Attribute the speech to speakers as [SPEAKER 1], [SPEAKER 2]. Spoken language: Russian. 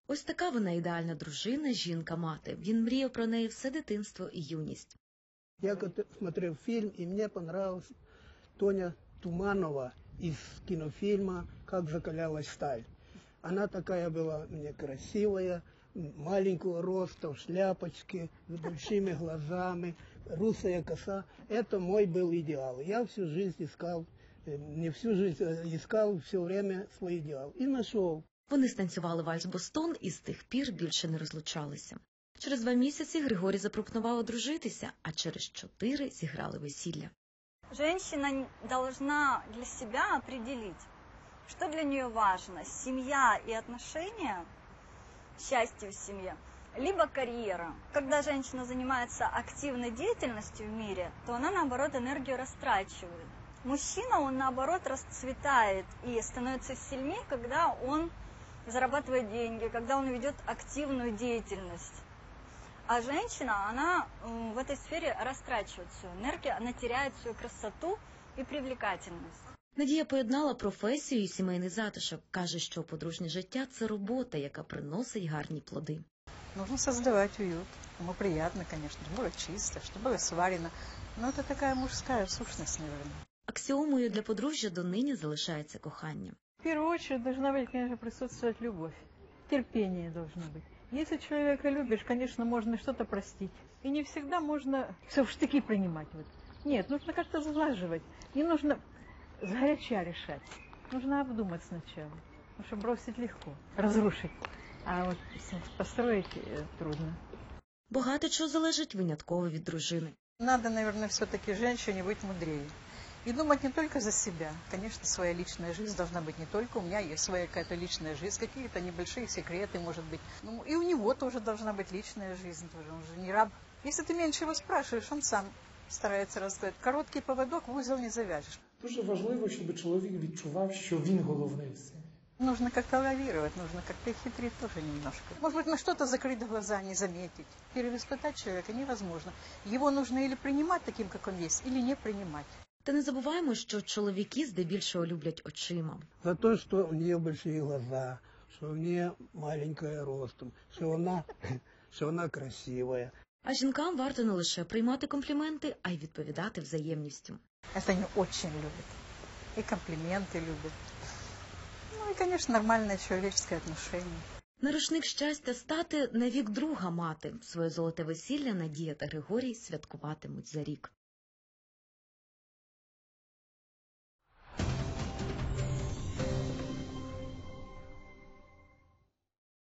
[SPEAKER 1] Ось така вона ідеальна дружина, жінка-мати. Він мріяв про неї все дитинство і юність.
[SPEAKER 2] Я смотрел фильм, и мне понравилась Тоня Туманова из кинофильма «Как закалялась сталь». Она такая была мне красивая, маленького роста, в шляпочке, с большими глазами, русая коса. Это мой был идеал. Я всю жизнь искал, не всю жизнь, искал все время свой идеал. И нашел.
[SPEAKER 1] Вони станцювали вальс «Бостон» і з тих пір більше не розлучалися. Через 2 місяці Григорій запропонував одружитися, а через 4 зіграли весілля.
[SPEAKER 3] Женщина должна для себя определить, что для нее важно: семья и отношения, счастье в семье, либо карьера. Когда женщина занимается активной деятельностью в мире, то она, наоборот, энергию растрачивает. Мужчина, он, наоборот, расцветает и становится сильнее, когда он зарабатывает деньги, когда он ведет активную деятельность. А женщина, она в этой сфере растрачивает свою энергию, она теряет свою красоту и привлекательность.
[SPEAKER 1] Надія поєднала професію і сімейний затишок. Каже, що подружнє життя – це робота, яка приносить гарні плоди.
[SPEAKER 4] Нужно создавать уют. Ему приятно, конечно, чтобы было чисто, чтобы было сварено. Но это такая мужская сущность, наверное.
[SPEAKER 1] Аксіомою для подружжя донині залишається кохання.
[SPEAKER 5] В первую очередь должна быть, конечно, присутствовать любовь. Терпение должно быть. Если человека любишь, конечно, можно что-то простить. И не всегда можно все в штыки принимать. Вот. Нет, нужно как-то сглаживать. Не нужно сгоряча решать. Нужно обдумать сначала. Потому что бросить легко, разрушить. А вот построить трудно.
[SPEAKER 1] Багато чого залежить винятково від дружини.
[SPEAKER 4] Надо, наверное, все-таки женщине быть мудрее. И думать не только за себя. Конечно, своя личная жизнь должна быть не только у меня, есть своя какая-то личная жизнь, какие-то небольшие секреты, может быть. Ну, и у него тоже должна быть личная жизнь, тоже. Он же не раб. Если ты меньше его спрашиваешь, он сам старается рассказать. Короткий поводок в узел не завяжешь.
[SPEAKER 6] Дуже важливо, щоб чоловік відчував, що він головний в сім'ї.
[SPEAKER 4] Нужно как-то лавировать, нужно как-то хитрить тоже немножко. Может быть, на что-то закрыть глаза, не заметить. Перевоспитать человека невозможно. Его нужно или принимать таким, как он есть, или не принимать.
[SPEAKER 1] Та не забуваємо, що чоловіки здебільшого люблять очима.
[SPEAKER 2] За то, что у нее большие глаза, что у нее маленькая ростом, что она красивая.
[SPEAKER 1] А жінкам варто не лише приймати компліменти, а й відповідати взаємністю.
[SPEAKER 4] Это они очень любят. И комплименты любят. Ну и, конечно, нормальное человеческое отношение.
[SPEAKER 1] На рушник щастя стати навік друга мати. Своє золоте весілля Надія та Григорій святкуватимуть за рік.